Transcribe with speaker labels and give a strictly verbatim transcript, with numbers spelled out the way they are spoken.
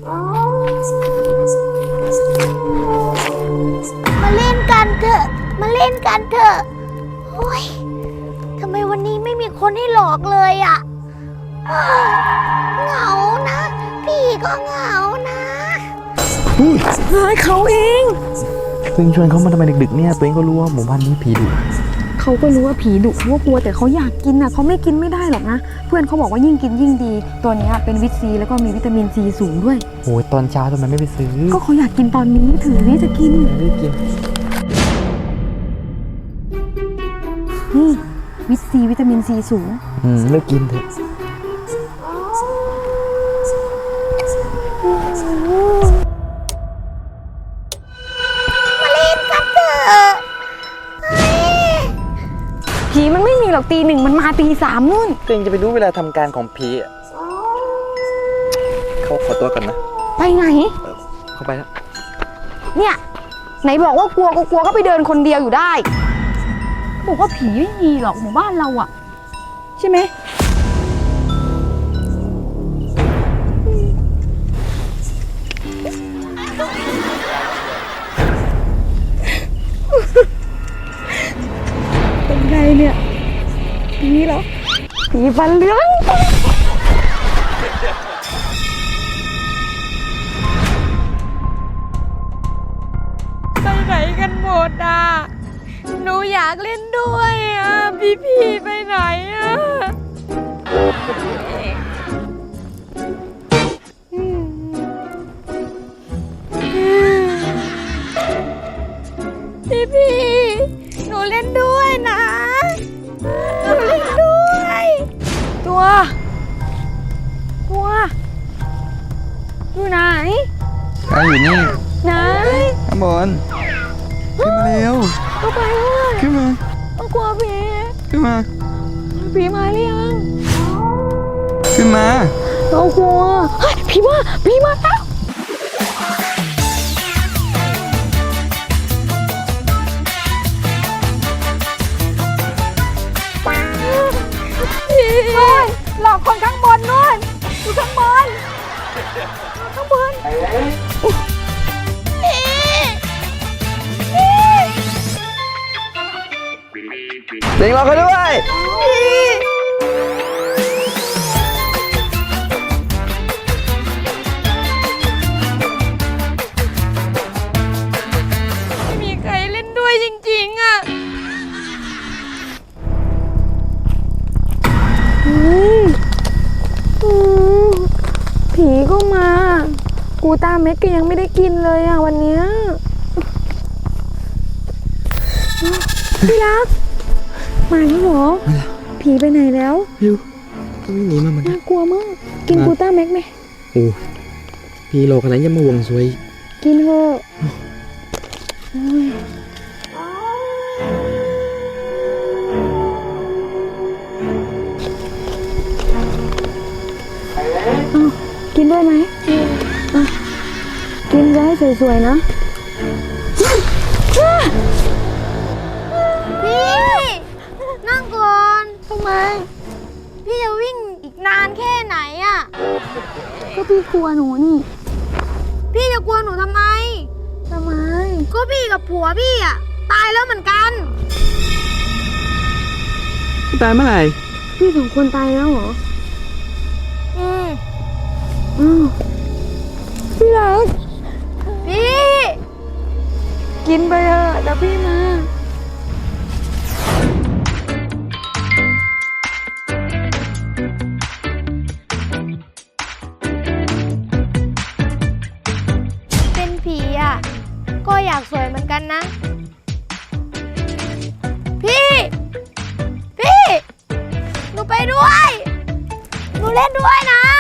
Speaker 1: มาเล่นกันเถอะมาเล่นกันเถอะโอ้ยทำไมวันนี้ไม่มีคนให้หลอกเลยอ่ะเหงานะพี่ก็เหงานะ
Speaker 2: เฮ้ยเขาเองตัวเองชวนเขามาทำไมดึกๆเนี่ยตัวเองก็รู้ว่าหมู่บ้านนี้ผีดุ
Speaker 3: เขาก็รู้ว่าผีดุเขาก็กลัวแต่เขาอยากกินอ่ะเขาไม่กินไม่ได้หรอกนะเพื่อนเขาบอกว่ายิ่งกินยิ่งดีตัวนี้เป็นวิตซีแล้วก็มีวิตามินซีสูงด้วย
Speaker 2: โอ้ยตอนเช้าทำไมไม่ไปซื้อ
Speaker 3: ก็เขาอยากกินตอนนี้ถือนี่จะกิน
Speaker 2: ไม่กิน
Speaker 3: นี่วิตซีวิตามินซีสูง
Speaker 2: อืมเลิกกินเถอะ
Speaker 1: มาเล่นกันเถอะ
Speaker 3: ผีมันไม่มีหรอกตีหนึ่งมันมาตีสามนู่น
Speaker 2: ตัวเองจะไปรู้เวลาทำการของผีอ่ะเขาขอตัวกันนะ
Speaker 3: ไปไหน
Speaker 2: เขาไปแล้ว
Speaker 3: เนี่ยไหนบอกว่ากลัวก็กลัวก็ไปเดินคนเดียวอยู่ได้บอกว่าผีไม่มีหรอกหมู่บ้านเราอะใช่ไหมเป็นไงเนี่ยผีเหรอผีฟันเหลือง
Speaker 1: ไปไหนกันหมดอ่ะหนูอยากเล่นด้วยอ่ะพี่พี่ไปไหนอ่ะพี่พี่หนูเล่นด้วยนะหนูเล่นด้วย
Speaker 3: ตัวตัวอยู่ไหน
Speaker 2: อ่ะอยู่นี่
Speaker 3: ไหน
Speaker 2: ข้างบนขึ้นมาเร็ว
Speaker 3: ก็ไปเลย
Speaker 2: ขึ้นมา
Speaker 3: ต้องกลัวผี
Speaker 2: ขึ้นมา
Speaker 3: ผีมาหรือยัง
Speaker 2: ขึ้นมา
Speaker 3: เรากลัวเฮ้ยผีมาผีมาแล้วนู่นหลอกคนข้างบนนู่นอยู่ข้างบนข้างบน
Speaker 2: เด็กรอเขาด้วย
Speaker 1: ไม่มีใครเล่นด้วยจริงๆอ่ะ
Speaker 3: ผีก็มากูตาเม็ดก็ยังไม่ได้กินเลยอ่ะวันเนี้ยพี่รักมาแล้วเหรอผีไปไหนแล้ว
Speaker 2: ยูก็ไม่หนีมาเหมือนกัน
Speaker 3: น่ากลัวมากกินกูต้าแม็กไหม
Speaker 2: โอ้พี่โลกันไหนยังมาห่วงสวย
Speaker 3: กินเถอะกินด้วยไหมกินจะให้สวยๆนะ
Speaker 1: พี่นั่งก่อนทำไมพี่จะวิ่งอีกนานแค่ไหนอ่ะ
Speaker 3: ก็พี่กลัวหนูนี่
Speaker 1: พี่จะกลัวหนูทำไม
Speaker 3: ทำไม
Speaker 1: ก็พี่กับผัวพี่อ่ะตายแล้วเหมือนกัน
Speaker 2: ตายเมื่อไหร่
Speaker 3: พี่สองคนตายแล้วเหรอ
Speaker 1: อืม
Speaker 3: อ้าวพี่รัก
Speaker 1: พี่
Speaker 3: กินไปเถอะแล้วพี่มา
Speaker 1: เป็นผีอ่ะก็อยากสวยเหมือนกันนะพี่พี่หนูไปด้วยหนูเล่นด้วยนะ